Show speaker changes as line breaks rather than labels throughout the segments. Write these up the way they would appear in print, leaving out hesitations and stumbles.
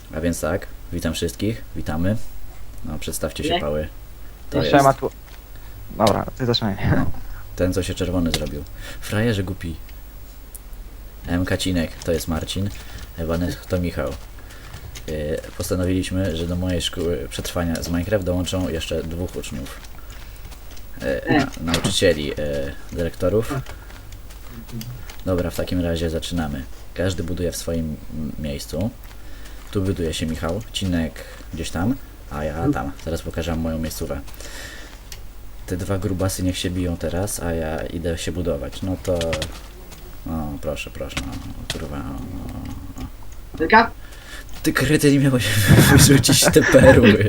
A więc tak, witam wszystkich, witamy. No, przedstawcie się,
Nie.
pały. To
Jeszcze
jest
ma tu... Dobra, ty zaczynaj.
no, ten, co się czerwony zrobił. Frajerze głupi. M. Kacinek, to jest Marcin. Ewanes to Michał. Postanowiliśmy, że do mojej szkoły przetrwania z Minecraft dołączą jeszcze 2 uczniów. Nauczycieli, dyrektorów. Dobra, w takim razie zaczynamy. Każdy buduje w swoim miejscu. Tu buduje się Michał, Cinek gdzieś tam, a ja tam. Zaraz pokażę wam moją miejscówę. Te 2 grubasy niech się biją teraz, a ja idę się budować. No to... O, proszę, no, kurwa, no.
Taka?
Ty kryty, nie miałeś wyrzucić te perły.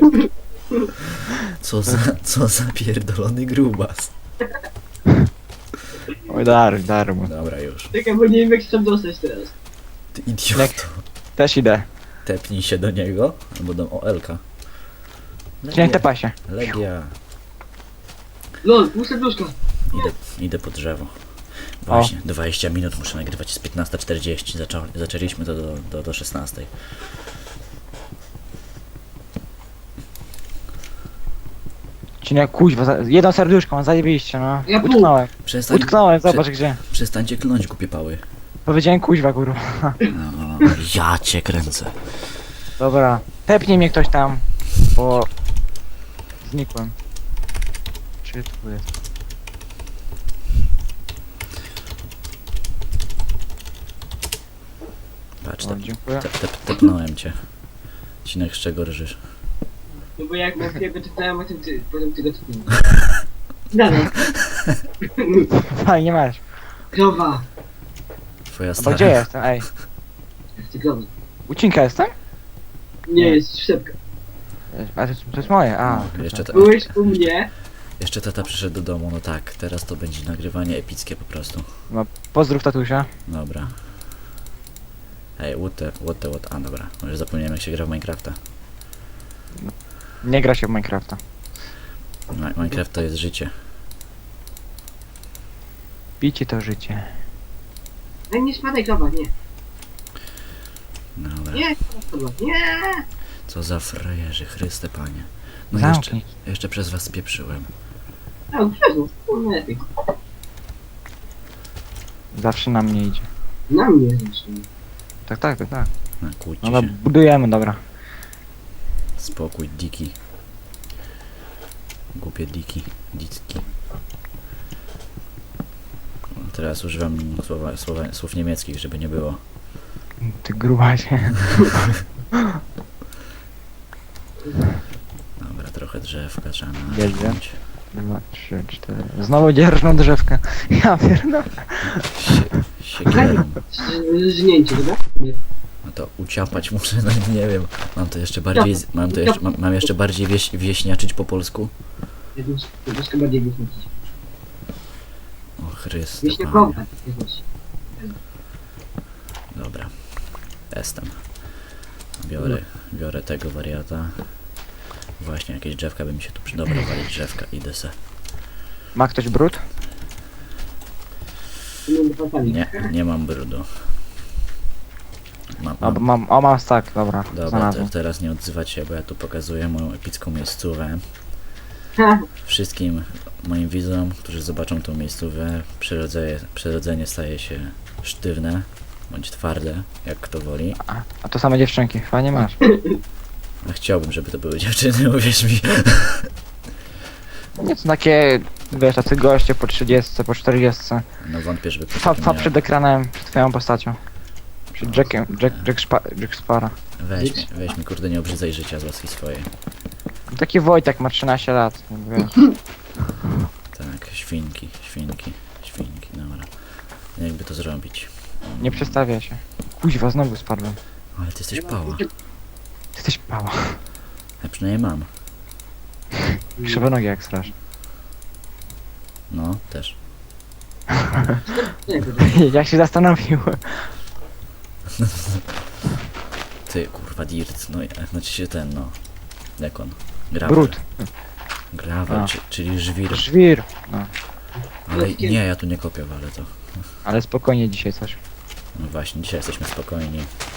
Co za pierdolony grubas.
Oj, dar mu.
Dobra, już.
Czekaj, bo nie wiem jak się tam dostać teraz.
Ty idioto.
Też idę.
Tepnij się do niego, albo do OL-ka.
Cię tepa się.
Legia.
Lol, pół serduszka.
Idę po drzewo. Właśnie, 20 minut muszę nagrywać, jest 15:40. Zaczęliśmy to do 16.
Cinek, kuźwa, jedno serduszko, mam zajebiście, no.
Ja pół.
Utknąłem, zobacz gdzie.
Przestańcie klnąć, głupie pały.
Powiedziałem kuźwa, kurwa.
No, ja cię kręcę.
Dobra, tepnij mnie ktoś tam, bo... Znikłem. Czy tu jest?
Patrz,
O, dziękuję.
tepnąłem cię. Cinek, z czego rżysz?
No bo jak na chwilę czytałem, potem ty go czytałem. Dalej.
Fajnie masz.
Krowa.
Twoja
A
stara.
gdzie jestem? Ej,
Ty krowa.
ucinka jestem?
Nie,
Nie.
jest szczepka.
A to jest moje, a.
No, jeszcze,
Byłeś u mnie.
jeszcze tata przyszedł do domu, no tak, teraz to będzie nagrywanie epickie po prostu.
No, pozdrów tatusia.
Dobra. Ej, what, a dobra, może zapomniałem jak się gra w Minecrafta.
Nie gra się w Minecrafta.
Minecraft to jest życie.
Picie to życie.
Ej, nie spadaj krowa, nie.
Dobra.
Nie, krowa, nie.
Co za frajerzy, Chryste Panie. No jeszcze,
Zamknij.
jeszcze przez was spieprzyłem.
A, przezmów, nie lepiej.
Zawsze na mnie idzie.
Na mnie zresztą.
Tak.
No, kłóćcie
No,
się.
budujemy, dobra.
Spokój, diki. Głupie diki. Teraz używam słów niemieckich, żeby nie było.
Ty grubasie.
Dobra, trochę drzewka trzeba
Jedzie.
naciąć.
2, 3, 4. Znowu dzierżną drzewkę. Ja pierdolę.
Siekierą.
Żnięcie, dobra? Nie.
No to uciapać muszę, no nie wiem. Mam to jeszcze bardziej, mam jeszcze bardziej wieśniaczyć po polsku?
Jedną troszkę bardziej wysnucić.
O Chryste
Wiśnie
Panie.
krowa. Nie chodź.
Dobra. Jestem. Biorę tego wariata. Właśnie jakieś drzewka by mi się tu przydobra walić drzewka. Idę se.
Ma ktoś brud?
Nie mam brudu.
O, mam stack, dobra.
Dobra,
Znalazłem.
teraz nie odzywać się, bo ja tu pokazuję moją epicką miejscówę. Wszystkim moim widzom, którzy zobaczą tą miejscówę, przyrodzenie staje się sztywne, bądź twarde, jak kto woli.
A to same dziewczynki, fajnie masz.
A chciałbym, żeby to były dziewczyny, uwierz mi.
Nie są takie, wiesz, tacy goście po 30, po 40.
No wątpię, żeby ktoś
Fa
taki miał.
przed ekranem, przed twoją postacią. Przed Jackiem, Jack Spara.
Weź mi kurde, nie obrzydzaj życia z łaski swojej.
Taki Wojtek ma 13 lat, wiesz.
Tak, świnki, dobra. Jakby to zrobić?
Nie przestawia się. Kuźwa, znowu spadłem.
Ale ty jesteś pała.
Ty jesteś pała.
Ja przynajmniej mam.
Krzywe nogi jak strasz.
No, też.
Jak się zastanowił.
Ty, kurwa, dirt, no, znaczy się ten, no. Jak on? Gravel.
Brud.
Gravel,
A.
czyli żwir.
Żwir. No.
Ale nie, ja tu nie kopię, ale to.
Ale spokojnie dzisiaj coś.
No właśnie, dzisiaj jesteśmy spokojni.